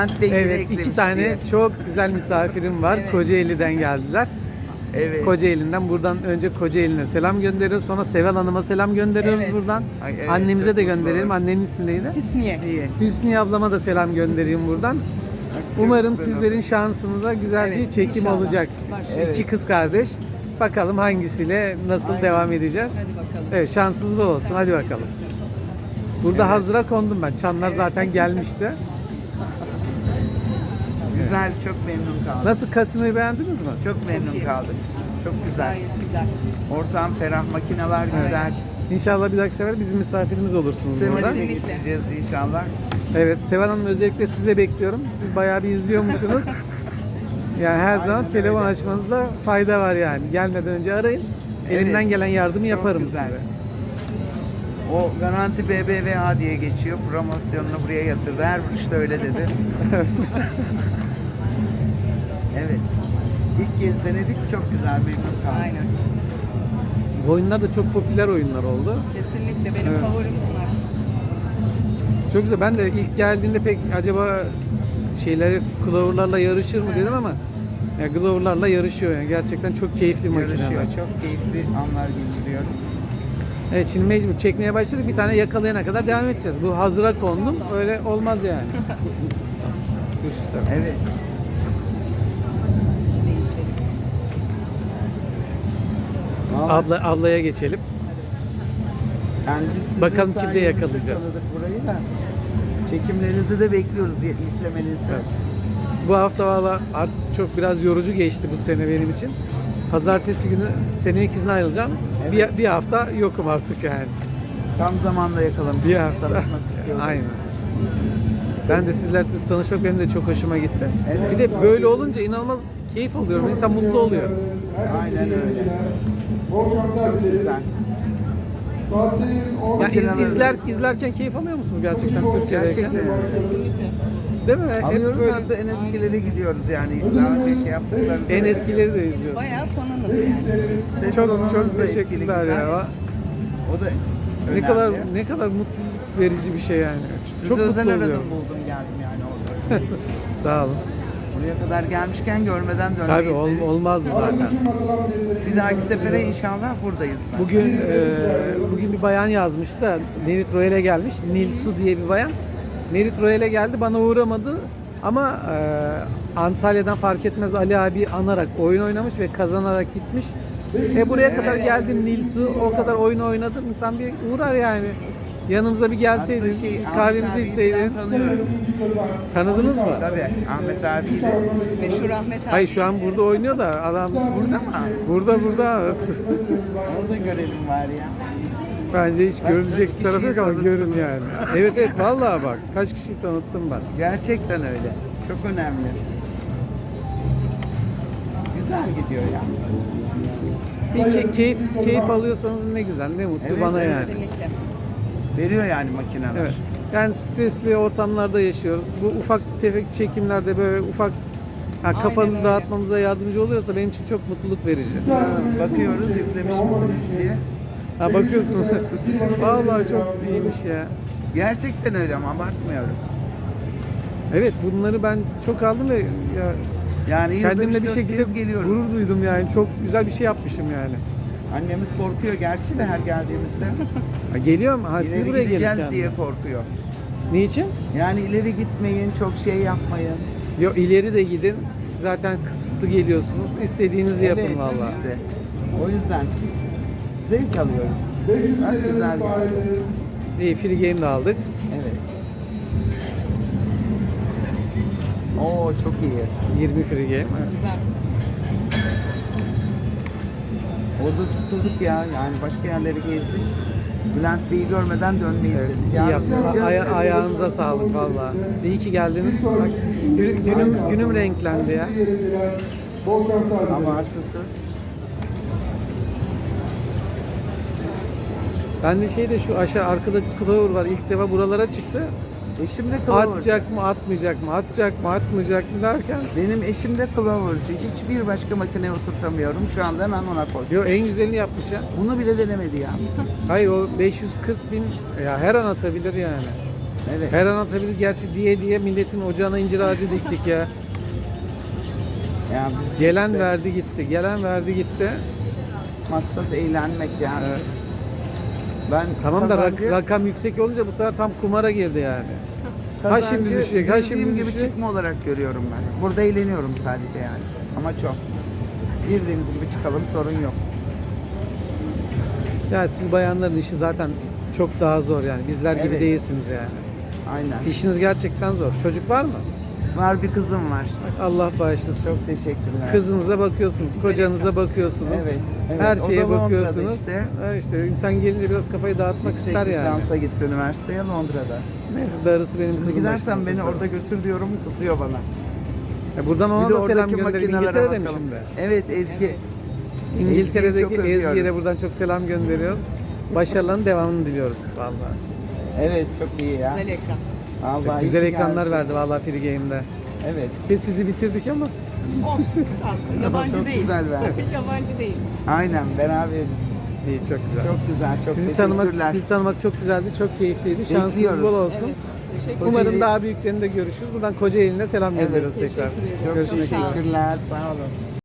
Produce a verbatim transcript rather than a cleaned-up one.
Evet, iki tane diye. çok güzel misafirim var. Evet. Kocaeli'den geldiler. Evet. Kocaeli'nden buradan önce Kocaeli'ne selam gönderiyoruz. Sonra Seval Hanım'a selam gönderiyoruz Evet. buradan. Ay, evet, Annemize çok de mutlu gönderelim. oldum. Annenin ismi neydi? Hüsniye. İyi. Hüsniye ablama da selam göndereyim buradan. çok Umarım güzel sizlerin şansınıza güzel Evet, bir çekim inşallah. olacak. Evet. İki kız kardeş. Bakalım hangisiyle nasıl Aynen. devam edeceğiz. Hadi bakalım. Evet, şanssız bol olsun. Hadi bakalım. Burada Evet. hazıra kondum ben. Çanlar zaten gelmişti. Güzel, çok memnun kaldım. Nasıl, kasinoyu beğendiniz mi? Çok memnun iyi. kaldım. Çok güzel. Gayet güzel. Ortam ferah, makineler güzel. İnşallah bir dahaki sefer bizim misafirimiz olursunuz burada. Sevmesini Kesinlikle. getireceğiz inşallah. Evet, Seval Hanım özellikle sizi de bekliyorum. Siz bayağı bir izliyormuşsunuz. Yani her zaman Aynen telefon öyle. açmanızda fayda var yani. Gelmeden önce arayın. Elimden Evet. gelen yardımı Çok yaparım güzel. size. O garanti B B V A diye geçiyor. Promosyonunu buraya yatırdı. Her işte öyle dedi. Evet. İlk kez denedik. Çok güzel, memnun kaldım. Aynen. Bu oyunlar da çok popüler oyunlar oldu. Kesinlikle benim Evet. favorim bunlar. Çok güzel. Ben de ilk geldiğinde pek acaba şeyleri Glover'larla yarışır mı dedim ama ya Glover'larla yarışıyor yani. Gerçekten çok keyifli Yarışıyor. makineler. Çok keyifli anlar geçiriyoruz. Evet, şimdi mecbur çekmeye başladık. Bir tane yakalayana kadar devam edeceğiz. Bu hazıra kondum. Öyle olmaz yani. Görüşürüz. Evet. Vallahi Abla, ablaya geçelim. Yani biz sizin Bakalım kimde sayenizde yakalayacağız. tanıdık burayı da. Çekimlerinizi de bekliyoruz, yüklemenizi. Evet. Bu hafta valla artık çok biraz yorucu geçti bu sene benim için. Pazartesi günü senelik izne ayrılacağım. Evet. Bir, bir hafta yokum artık yani. Tam zamanda yakalamışsınız. Bir hafta. Tanışmak istiyorum. Aynen. Ben de sizlerle tanışmak benim de çok hoşuma gitti. Evet. Bir de böyle olunca inanılmaz keyif alıyorum. İnsan mutlu oluyor. Aynen öyle. Çok güzel. Ya iz, izler, izlerken keyif alıyor musunuz gerçekten Türkiye'deyken? Gerçekten öyle. Kesinlikle. Değil mi? Hep Alıyoruz, böyle hatta en eskilere gidiyoruz yani. Daha önce şey yaptıklarımızı. en eskileri de izliyoruz. Bayağı fanınız yani. Ses Çok tonunuz çok da etkili, teşekkürler güzel. ya. O da Ne önemli. kadar ne kadar mutluluk verici bir şey yani. Sizi Çok mutlu özel aradım, oluyorum. buldum geldim yani orada. Sağ olun. Buraya kadar gelmişken görmeden dönmeyiz. Tabii ol, dedik. olmazdı zaten. Bir dahaki sefere inşallah buradayız. Bugün e, bugün bir bayan yazmıştı da Nerit Royal'e gelmiş. Nilsu diye bir bayan. Nerit Royal'e geldi, bana uğramadı. Ama e, Antalya'dan fark etmez Ali abi anarak oyun oynamış ve kazanarak gitmiş. E buraya kadar geldin Nilsu, o kadar oyun oynadın. İnsan bir uğrar yani. Yanımıza bir gelseydin, Hatta şey, kahvemizi Ahmet abiyi içseydin. falan tanıyoruz. Tanıdınız mı? Tabii Ahmet abiyi de. Meşhur Ahmet abi. Hayır, şu an burada oynuyor da adam Burada mı? burada burada. Orada görelim var ya. Bence hiç Bak, görülecek kaç bir tarafı yok kişiyi ama tanıttın. görün yani. Evet evet, vallahi bak kaç kişiyi tanıttım ben. Gerçekten öyle. Çok önemli. Güzel gidiyor ya. Bir ke- keyif keyif alıyorsanız ne güzel, ne mutlu Evet, bana evet. yani. Kesinlikle. Veriyor yani makineler. Evet. Yani stresli ortamlarda yaşıyoruz. Bu ufak tefek çekimlerde böyle ufak ha, kafanızı öyle. dağıtmamıza yardımcı oluyorsa benim için çok mutluluk verici. Bakıyoruz yüklemiş misiniz diye. Ha bakıyorsun. Vallahi çok iyiymiş ya. Gerçekten öyle ama abartmıyorum. Evet, bunları ben çok aldım ve ya Yani yılda kendimle üç bir dört şekilde kez geliyoruz. gurur duydum yani. Çok güzel bir şey yapmışım yani. Annemiz korkuyor gerçi de her geldiğimizde. Ha, geliyorum. Ha, siz İleri buraya gideceğiz geleceksiniz. diye korkuyor. Niçin? Yani ileri gitmeyin, çok şey yapmayın. Yok, ileri de gidin. Zaten kısıtlı geliyorsunuz. İstediğinizi yapın Evet, vallahi. işte. O yüzden zevk alıyoruz. Bak güzel yani. İyi, free game de aldık. Evet. Oo çok iyi. yirmi free game. Evet. Güzel. Orada tutulduk ya. Yani başka yerleri gezdik. Bülent Bey'i görmeden dönmeyiz Evet, dedik. iyi Yarın yaptınız. gideceğiz Aya- de- ayağınıza sağlık vallahi. İyi ki geldiniz. Bak, günüm, günüm, günüm renklendi ya. Ama haklısınız. Ben de şeyde şu aşağı arkadaki Clover var. İlk defa buralara çıktı. Eşim de Clover'cı. Atacak mı, atmayacak mı, atacak mı, atmayacak mı derken. Benim eşim de Clover'cı. Hiçbir başka makineye oturtamıyorum. Şu anda hemen ona koydum. Yo, en güzelini yapmış ya. Bunu bile denemedi ya. Hayır, o beş yüz kırk bin ya her an atabilir yani. Evet. Her an atabilir gerçi diye diye milletin ocağına incir ağacı diktik ya. Yani biz Gelen işte verdi gitti, gelen verdi gitti. maksat eğlenmek yani. Evet. Ben Tamam da rak- kazancı- rakam yüksek olunca bu sefer tam kumara girdi yani. Ha kazancı şimdi düşecek, ha girdiğim şimdi gibi düşecek. çıkma olarak görüyorum ben. Burada eğleniyorum sadece yani. Ama çok. Girdiğimiz gibi çıkalım, sorun yok. Ya siz bayanların işi zaten çok daha zor yani. Bizler gibi Evet. değilsiniz yani. Aynen. İşiniz gerçekten zor. Çocuk var mı? Var, bir kızım var. Allah bağışlasın. Çok teşekkürler. Kızınıza bakıyorsunuz, kocanıza bakıyorsunuz. Evet, evet. Her O şeye da Londra'da bakıyorsunuz. işte. Ha işte insan gelince biraz kafayı dağıtmak Yüksek ister yani. lisansa gitti üniversiteye Londra'da. Neyse darısı benim Şimdi kızım gidersen başına. beni orada götür diyorum, kızıyor bana. Ya buradan ona Bir de da selam oradaki gönderin. makinelere İngiltere'de mi bakalım. şimdi? Evet, Ezgi. İngiltere'deki Ezgi'yi çok Ezgi'ye de özlüyoruz. buradan çok selam gönderiyoruz. Başarılarının devamını diliyoruz vallahi. Evet, çok iyi ya. Güzel ekran. Vallahi Güzel iyi ki ekranlar gelmişiz. verdi vallahi Free Game'de. Evet. Biz sizi bitirdik ama Olsun. sağ ol. Yabancı Çok değil. güzel verdi. Yabancı değil. Aynen, beraberiz. iyi çok güzel. Çok güzel, çok sizi teşekkürler. tanımak sizi tanımak çok güzeldi, çok keyifliydi. Şansınız Bekliyoruz. bol olsun. Evet. Teşekkür Umarım Kocaeli- daha büyüklerinde görüşürüz. Buradan Kocaeli'ne selam Evet, gönderiyoruz tekrar. teşekkür ederim. Çok Görüşmek üzere. teşekkürler, sağ olun.